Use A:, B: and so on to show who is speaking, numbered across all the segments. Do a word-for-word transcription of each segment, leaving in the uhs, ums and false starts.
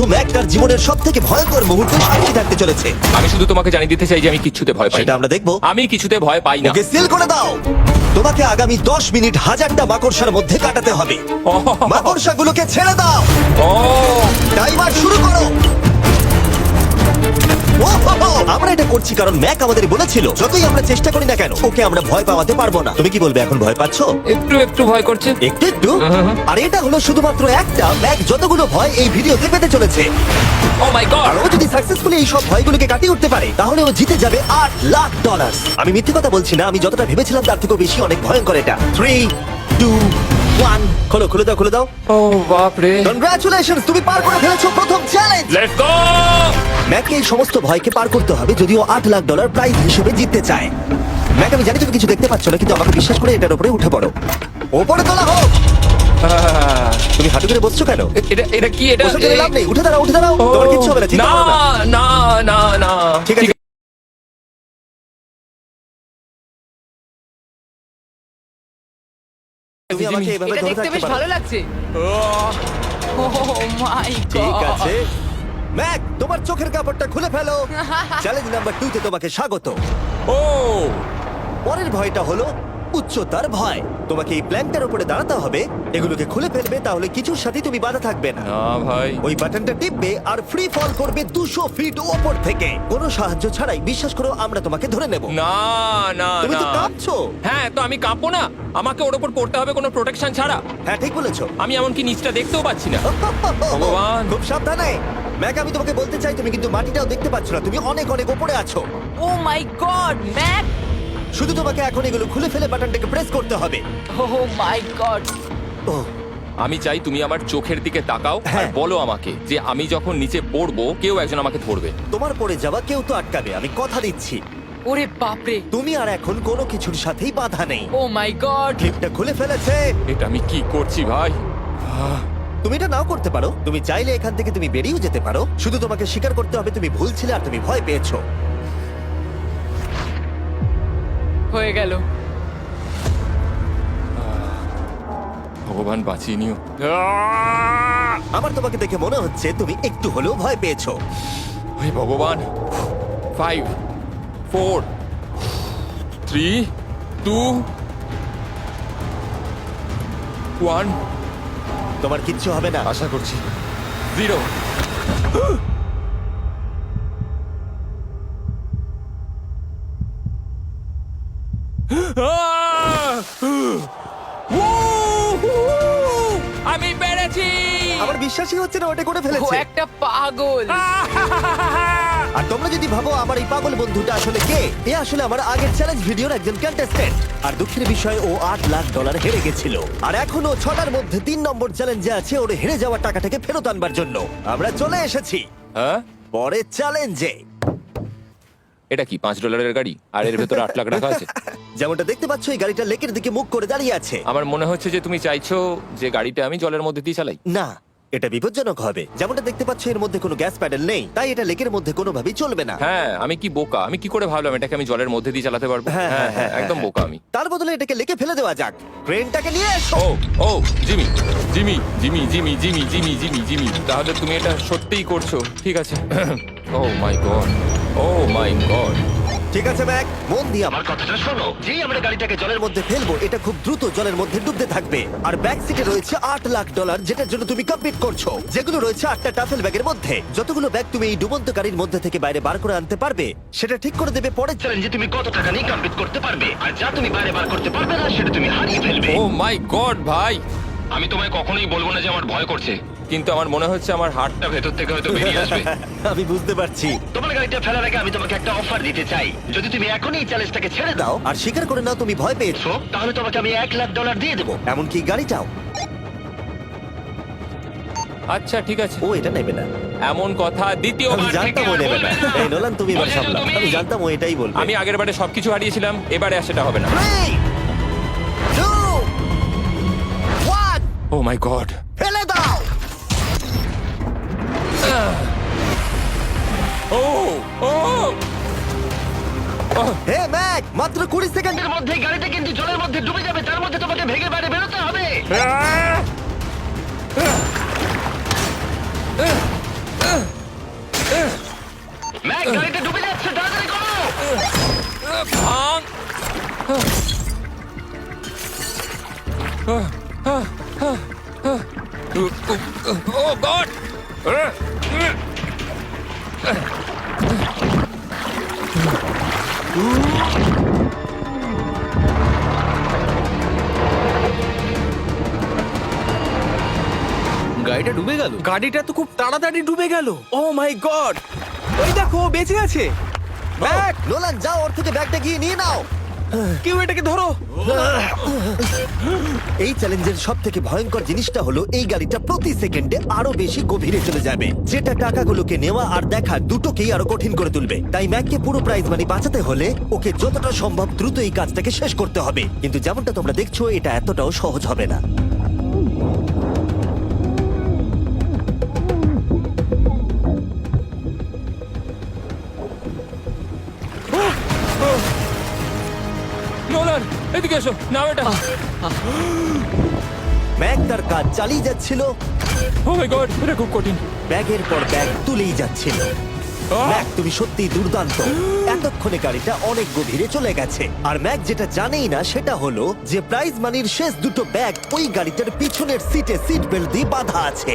A: Mac তার জীবনের সব থেকে ভয়ঙ্কর মুহূর্তে সাক্ষী থাকতে চলেছে।
B: আমি শুধু তোমাকে জানিয়ে দিতে চাই যে আমি কিচ্ছুতে ভয় পাই
A: সেটা
B: না।
A: আমরা দেখবো।
B: আমি কিছুতে ভয় পাই না।
A: ওকে সিল করে দাও। তোমাকে আগামী দশ মিনিট হাজারটা মাকড়সার মধ্যে কাটাতে হবে। মাকড়সাগুলোকে ছেড়ে দাও।
B: ও
A: টাইমার শুরু করো। ওহো! আমরা এটা করছি কারণ ম্যাক আমাদের বলেছিল যতই আমরা চেষ্টা করি না কেন ওকে আমরা ভয় পাওয়াতে পারবো না। তুমি কি বলবে, এখন ভয় পাচ্ছো?
B: একটু একটু ভয় করছে।
A: একটু একটু। আর এটা হলো শুধুমাত্র একটা, ম্যাক যতগুলো ভয় এই ভিডিওতে পেতে চলেছে।
B: ও মাই গড।
A: আর ও যদি সাকসেসফুলি এই সব ভয়গুলোকে কাটিয়ে উঠতে পারে তাহলে ও জিতে যাবে আট লাখ ডলার। আমি মিথ্যে কথা বলছি না, আমি যতটা ভেবেছিলাম তার থেকেও বেশি অনেক ভয়ঙ্কর এটা। থ্রি টু ওয়ান খোলো খুলে দাও খুলে দাও।
B: ও বাপ রে।
A: কনগ্রাচুলেশনস, তুমি পার করে ফেলেছো প্রথম চ্যালেঞ্জ।
B: Let's go.
A: ম্যাককে এই সমস্ত ভয়কে পার করতে হবে যদিও আট লাখ ডলার প্রাইজ হিসেবে জিততে চায়। ম্যাক, আমি জানি তুমি কিছু দেখতে পাচ্ছ না, কিন্তু আমাকে বিশ্বাস করে এটার উপরে উঠে পড়ো। ওপরে তোলা হোক।
B: আহ,
A: তুমি হাঁটু করে বসছো কেন?
B: এটা এটা কি এটা?
A: বসে গেলে লাভ নেই, উঠে দাঁড়াও উঠে দাঁড়াও।
B: ও,
A: তোমার কিচ্ছু হবে না, চিন্তা
B: না
A: করো না।
B: না না না।
A: ঠিক আছে। তুমি আমাকে এভাবে
C: এটা
A: ধরে
C: দেখতে
A: থাকতে
C: বেশ
A: পারো।
C: ভালো লাগছে। ও মাই
A: ঠিক
C: গড।
A: আছে ম্যাক, তোমার চোখের কাপড়টা খুলে ফেলো। চ্যালেঞ্জ নাম্বার টু তে তোমাকে স্বাগত।
B: ও
A: পরের ভয়টা হলো উচ্চতার ভয়। তোমাকে এই প্ল্যানটার উপরে দাঁড়াতে হবে, এগুলোকে খুলে ফেলবে, তাহলে কিছুর সাথে তুমি বাধা থাকবে না।
B: না ভাই।
A: ওই বাটনটা টিপবে আর ফ্রি ফল করবে দুশো ফিট ওপর থেকে কোনো সাহায্য ছাড়াই। বিশ্বাস করো আমরা তোমাকে ধরে নেব।
B: না না
A: তুমি তো
B: না।
A: কাঁপছো।
B: হ্যাঁ, তো আমি কাঁপবো না? আমাকে ওর উপর পড়তে হবে কোনো প্রোটেকশন ছাড়া?
A: হ্যাঁ ঠিক বলেছো।
B: আমি এমনকি নিচটা দেখতেও পাচ্ছি না। ভগবান।
A: খুব সাবধানে ম্যাক, আমি তোমাকে বলতে চাই তুমি কিন্তু মাটিটাও দেখতে পাচ্ছ না, তুমি অনেক অনেক উপরে আছো।
C: Oh my god, Mack.
A: শুধু তোমাকে এখন এগুলো খুলে ফেলে বাটনটাকে প্রেস করতে হবে।
C: ও মাই গড।
A: ওহ,
B: আমি চাই তুমি আমার চোখের দিকে তাকাও আর
A: হ্যাঁ।
B: বলো আমাকে যে আমি যখন নিচে পড়বো কেউ একজন আমাকে ধরবে।
A: তোমার পড়ে যাওয়া কেউ তো আটকাবে, আমি কথা দিচ্ছি।
C: ওরে বাপরে।
A: তুমি আর এখন কোনো কিছুর সাথেই বাধা নেই।
C: Oh my god.
A: ক্লিপটা খুলে ফেলেছে।
B: এটা আমি কি করছি ভাই?
A: তুমি এটা নাও করতে পারো, তুমি চাইলে এখান থেকে তুমি বেরিয়েও যেতে পারো। শুধু তোমাকে স্বীকার করতে হবে তুমি ভুল ছিলে আর তুমি ভয় পেয়েছো।
C: হয়ে গেল।
B: ভগবান বাঁচিয়ে নিও।
A: আমার তোমাকে দেখে মনে হচ্ছে তুমি একটু হলেও ভয় পেয়েছো।
B: হে ভগবান। Five four three two one.
A: তোমার কিচ্ছু হবে না।
B: আশা করছি। জিরো। আমি পেরেছি।
A: আমার বিশ্বাসই হচ্ছে না ওটা করে
C: ও
A: ফেলেছে।
C: একটা পাগল।
A: আর তোমরা যদি ভাবো আমার এই পাগল বন্ধুটা আসলে কে, এ আসলে আমার আগের চ্যালেঞ্জ ভিডিওর একজন কন্টেস্ট্যান্ট। আর দুঃখের বিষয় ও আট লাখ ডলার হেরে গেছিল। আর এখনো ছটার মধ্যে তিন নম্বর চ্যালেঞ্জে আছে ওর হেরে যাওয়া টাকাটাকে ফেরত আনবার জন্য। আমরা চলে এসেছি
B: হ্যাঁ,
A: পরের চ্যালেঞ্জে।
B: এটা কি পাঁচ ডলারের গাড়ি আর এর ভেতরে আট লাখ টাকা আছে?
A: যেমনটা দেখতে পাচ্ছ এই গাড়িটা লেকের দিকে মুখ করে দাঁড়িয়ে আছে।
B: আমার মনে হচ্ছে যে তুমি চাইছো যে গাড়িটা আমি জলের মধ্যে দিয়ে চালাই।
A: না, এটা বিপজ্জনক হবে। যেমনটা দেখতে পাচ্ছ এর মধ্যে কোনো গ্যাস প্যাডেল নেই, তাই এটা লেকের মধ্যে কোনোভাবেই চলবে না।
B: হ্যাঁ, আমি কি বোকা! আমি কি করে ভাবলাম এটাকে আমি জলের মধ্যে দিয়ে চালাতে পারবো?
A: হ্যাঁ,
B: হ্যাঁ
A: হ্যাঁ,
B: হ্যাঁ, একদম
A: হ্যাঁ।
B: বোকা আমি।
A: তার বদলে এটাকে লেকে ফেলে দেওয়া যাক। ক্রেনটাকে নিয়ে এসো।
B: Oh oh Jimmy Jimmy Jimmy Jimmy Jimmy Jimmy Jimmy Jimmy তাহলে তুমি এটা সত্যিই করছো? ঠিক আছে। Oh my god, oh my god.
A: ঠিক আছে ম্যাক, মন দিয়ে আমার কথাটা শোনো। যেই আমরা গাড়িটাকে জলের মধ্যে ফেলবো এটা খুব দ্রুত জলের মধ্যে ডুবতে থাকবে। আর ব্যাক সিটে রয়েছে আট লাখ ডলার যেটার জন্য তুমি কমপ্লিট করছো, যেগুলো রয়েছে আটটা টাফেল ব্যাগের মধ্যে। যতগুলো ব্যাগ তুমি এই ডুবন্ত গাড়ির মধ্যে থেকে বাইরে বার করে আনতে পারবে সেটা ঠিক করে দেবে পরের চ্যালেঞ্জে তুমি কত টাকা নিয়ে কমপ্লিট করতে পারবে। আর যা তুমি বাইরে বার করতে পারবে না সেটা তুমি হারিয়ে ফেলবে।
B: ও মাই গড ভাই,
D: আমি তোমায় কখনোই বলবো না যে আমার ভয় করছে।
B: কিন্তু আমার মনে হচ্ছে আমার হার্টটা
D: তা ভেতর থেকে হয়তো বেরিয়ে আসবে।
A: আমি বুঝতে পারছি।
D: তোমার গাড়িটা ফেলার আগে আমি তোমাকে একটা অফার দিতে চাই। যদি তুমি এখনই এই চ্যালেঞ্জটাকে ছেড়ে দাও,
A: দাও আর স্বীকার করে নাও তুমি ভয় পেয়েছো,
D: তাহলে তোমাকে আমি এক লাখ ডলার দিয়ে দেবো।
A: এমনকি গাড়িটাও।
B: আচ্ছা ঠিক আছে,
A: ও এটা নেবে না।
B: এমন কথা
A: আমি
B: দ্বিতীয়বার থেকে
A: জানতাম ও
B: আর
A: নেবে না।
B: বলবে না।
A: এই নোলান তুমি এবার
D: বুঝেছো
A: সামলাও।
D: তুমি?
A: আমি জানতাম ও এটাই বলবে।
B: আমি আগের বারে সবকিছু হারিয়েছিলাম, এবারে আর সেটা হবে না।
A: Three, two, one,
B: oh my god.
A: ফেলে দাও।
B: ও ও
A: হে ম্যাক, মাত্র কুড়ি সেকেন্ডের
D: এর মধ্যে গাড়িটা কিন্তু জলের মধ্যে ডুবে যাবে, তার মধ্যে তোমাকে ভেঙে বাইরে বেরোতে হবে।
E: গাড়িটা ডুবে গেল।
F: গাড়িটা তো খুব তাড়াতাড়ি ডুবে গেল। ও মাই গড, ওই দেখো ও বেঁচে আছে। ব্যাগ,
A: নোলান যাও, ওর থেকে ব্যাগটা গিয়ে নিয়ে নাও।
F: কেউ এটাকে ধরো।
A: এই চ্যালেঞ্জের সব থেকে ভয়ঙ্কর জিনিসটা হলো এই গাড়িটা প্রতি সেকেন্ডে আরো বেশি গভীরে চলে যাবে, যেটা টাকাগুলোকে নেওয়া আর দেখা দুটোকেই আরো কঠিন করে তুলবে। তাই ম্যাককে পুরো প্রাইজ মানি বাঁচাতে হলে ওকে যতটা সম্ভব দ্রুত এই কাজটাকে শেষ করতে হবে। কিন্তু যেমনটা তোমরা দেখছো, এটা এতটাও সহজ হবে না।
B: নোলান, এদিকে এসো, নাও এটা।
A: ম্যাক তার কাজ চালিয়ে যাচ্ছিল,
B: ও মাই গড, এটা খুব কঠিন।
A: ব্যাগের পর ব্যাগ তুলেই যাচ্ছিল।
B: আহ!
A: ম্যাক, তুমি সত্যিই দুর্দান্ত। এতক্ষণে গাড়িটা অনেক গভীরে চলে গেছে। আর ম্যাক যেটা জানেই না সেটা হলো যে প্রাইজ মানির শেষ দুটো ব্যাগ ওই গাড়িটার পিছনের সিটে সিট বেল্ট দিয়ে বাঁধা আছে।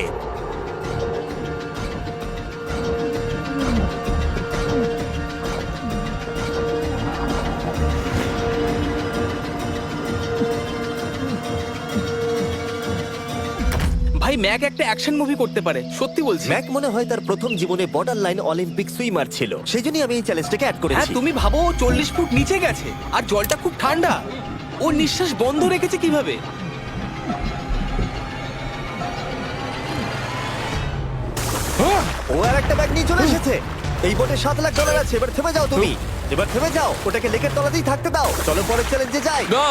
F: ভাই ম্যাক একটা অ্যাকশন মুভি করতে পারে, সত্যি বলছি।
A: ম্যাক মনে হয় তার প্রথম জীবনে বর্ডার লাইন অলিম্পিক সুইমার ছিল, সেই জন্যই আমি এই চ্যালেঞ্জটাকে অ্যাড
F: হ্যাঁ,
A: করেছি।
F: তুমি ভাবো ও চল্লিশ ফুট নিচে গেছে আর জলটা খুব ঠান্ডা। ও নিঃশ্বাস বন্ধ রেখেছে কিভাবে?
A: ও আর একটা ব্যাগ নিয়ে চলে এসেছে। এই বোটে সাত লাখ ডলার আছে। এবার থেমে যাও তুমি, এবার থেমে যাও, ওটাকে লেকের তলাতেই থাকতে দাও। চলো পরের চ্যালেঞ্জে যাই।
B: না,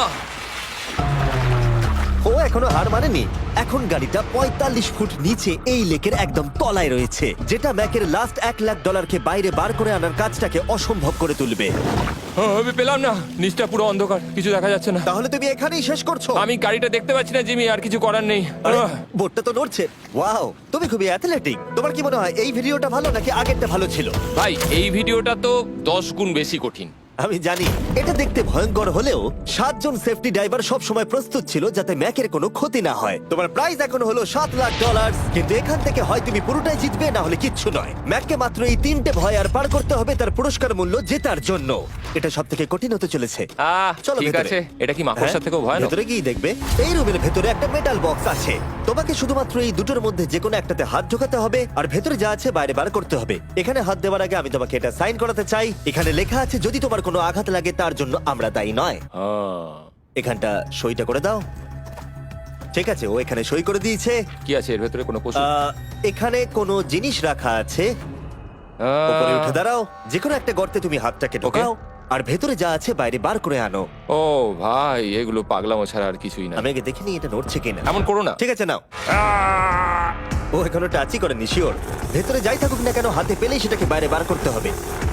A: ও এখনো হার মানেনি। এখন গাড়িটা পঁয়তাল্লিশ ফুট নিচে এই লেকের একদম তলায় রয়েছে, যেটা ম্যাকের লাস্ট এক লাখ ডলারকে বাইরে বার করে আনার কাজটাকে অসম্ভব করে তুলবে।
B: ও, আমি পেলাম না, নিচটা পুরো অন্ধকার, কিছু দেখা যাচ্ছে না।
A: তাহলে তুমি এখানেই শেষ করছো?
B: আমি গাড়িটা দেখতে পাচ্ছি না জিমি, আর কিছু করার নেই।
A: আরে,
B: আহ!
A: বোটটা তো নড়ছে। ওয়াও, তুমি খুবই অ্যাথলেটিক। তোমার কি মনে হয় এই ভিডিওটা ভালো নাকি আগেরটা ভালো ছিল?
B: ভাই, এই ভিডিওটা তো দশ গুণ বেশি কঠিন।
A: আমি জানি এটা দেখতে ভয়ঙ্কর হলেও সাতজন সেফটি ড্রাইভার সব সময় প্রস্তুত ছিল যাতে ম্যাকের কোনো ক্ষতি না হয়। তোমার প্রাইস এখন হলো সাত লাখ ডলার, কিন্তু এখান থেকে হয় তুমি পুরোটাই জিতবে, না হলে কিচ্ছু নয়। ম্যাককে মাত্র এই তিনটে ভয় আর পার করতে হবে তার পুরস্কার মূল্য জেতার জন্য। এটা সব থেকে কঠিন হতে চলেছে।
B: আহ,
A: চলো
B: ঠিক
A: ভেতরে।
B: আছে, এটা কি মাকড়সার
A: হ্যাঁ,
B: থেকেও ভয়ানক?
A: ভেতরে গিয়ে দেখবে এই রুমের ভেতরে একটা মেটাল বক্স আছে। তোমাকে শুধুমাত্র এই দুটোর মধ্যে যে কোনো একটাতে হাত ঢোকাতে হবে আর ভেতরে যা আছে বাইরে বার করতে হবে। এখানে হাত দেওয়ার আগে আমি তোমাকে এটা সাইন করাতে চাই। এখানে লেখা আছে যদি তোমার কোনো আঘাত লাগে তার জন্য আমরা দায়ী নয়।
B: আহ,
A: এখানটা সইটা করে দাও। ঠিক আছে, ও এখানে সই করে দিয়েছে।
B: কি আছে এর ভেতরে? কোনো পশু?
A: আহ, এখানে কোনো জিনিস রাখা আছে।
B: আহ,
A: উপরে উঠে দাঁড়াও, যে কোনো একটা গর্তে তুমি হাতটাকে ঢোকাও আর ভেতরে যা আছে বাইরে বার করে আনো।
B: ও ভাই, এগুলো পাগলামো ছাড়া আর কিছুই না।
A: আমি আগে দেখিনি এটা নড়ছে কিনা।
B: এমন করো না।
A: ঠিক আছে, নাও। ও এখনো টাচই করেনি, শিওর। ভেতরে যাই থাকুক না কেন, হাতে পেলেই সেটাকে বাইরে বার করতে হবে।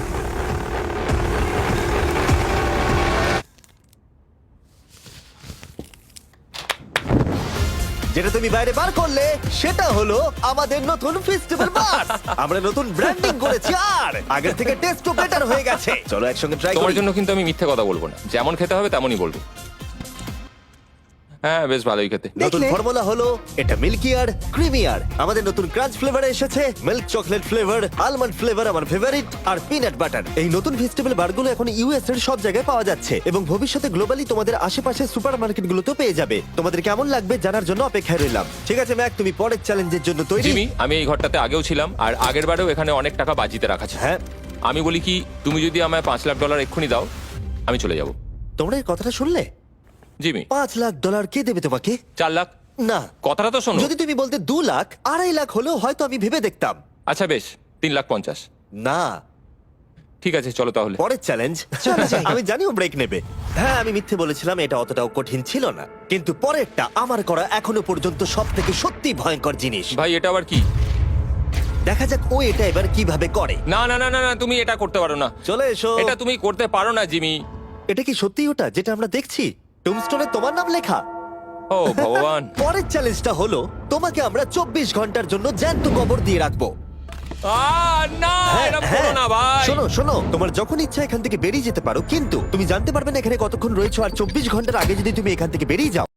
A: যেটা তুমি বাইরে বার করলে সেটা হলো আমাদের নতুন ফেস্টিভ্যাল বাস। আমরা নতুন ব্র্যান্ডিং করেছি আর আগের থেকে টেস্টও বেটার হয়ে গেছে। চলো একসঙ্গে ট্রাই
B: তোমার
A: করি।
B: জন্য কিন্তু আমি মিথ্যে কথা বলবো না, যেমন খেতে হবে তেমনই বলবো। হ্যাঁ, বেশ ভালোই খেতে।
A: নতুন
F: দেখলে?
A: ফর্মুলা হলো এটা মিল্কি আর ক্রিমি আর। আমাদের নতুন ক্রাঞ্চ ফ্লেভার এসেছে, milk chocolate flavour, almond flavour আমার ফেভারিট, আর পিনাট বাটার। এই নতুন ভেজিটেবল বারগুলো এখন ইউএস এর সব জায়গায় পাওয়া যাচ্ছে এবং ভবিষ্যতে গ্লোবালি তোমাদের আশেপাশে সুপারমার্কেটগুলোতেও পেয়ে যাবে। তোমাদের কেমন লাগবে জানার জন্য অপেক্ষায় রইলাম। ঠিক আছে ম্যাক, তুমি পরের চ্যালেঞ্জের জন্য তৈরি?
B: জিমি, আমি এই ঘরটাতে আগেও ছিলাম আর আগের বারেও এখানে অনেক টাকা বাজিতে রাখা ছিল।
A: হ্যাঁ,
B: আমি বলি কি, তুমি যদি আমায় পাঁচ লাখ ডলার এক্ষুনি দাও, আমি চলে যাব।
A: তোমরা এই কথাটা শুনলে?
B: জিমি,
A: পাঁচ লাখ ডলার কে দেবে তোমাকে?
B: চার লাখ।
A: না,
B: কথাটা তো শোনো।
A: যদি তুমি বলতে দু লাখ আড়াই লাখ হলেও হয়তো আমি ভেবে দেখতাম।
B: আচ্ছা বেশ, তিন লাখ পঞ্চাশ।
A: না,
B: ঠিক আছে, চলো তাহলে।
A: পরের চ্যালেঞ্জ। আমি জানি ও ব্রেক নেবে। হ্যাঁ, আমি মিথ্যে বলেছিলাম, এটা অতটাও কঠিন ছিল না। কিন্তু পরেরটা আমার করা এখনো পর্যন্ত সব থেকে সত্যি ভয়ঙ্কর জিনিস।
B: ভাই, এটা আবার কি?
A: দেখা যাক ও এটা এবার কিভাবে করে।
B: না না না না না, তুমি এটা করতে পারো না।
A: চলে এসো।
B: এটা তুমি করতে পারো না জিমি।
A: এটা কি সত্যি ওটা যেটা আমরা দেখছি? টুমস্টোনে তোমার নাম লেখা।
B: ও ভগবান।
A: পরের চ্যালেঞ্জটা হলো তোমাকে আমরা চব্বিশ ঘন্টার জন্য জ্যান্ত কবর দিয়ে রাখবো।
B: আহ, না, এরম করো না ভাই।
A: শোনো শোনো, তোমার যখন ইচ্ছা এখান থেকে বেরিয়ে যেতে পারো, কিন্তু তুমি জানতে পারবে না এখানে কতক্ষণ রয়েছো। আর চব্বিশ ঘন্টার আগে যদি তুমি এখান থেকে বেরিয়ে যাও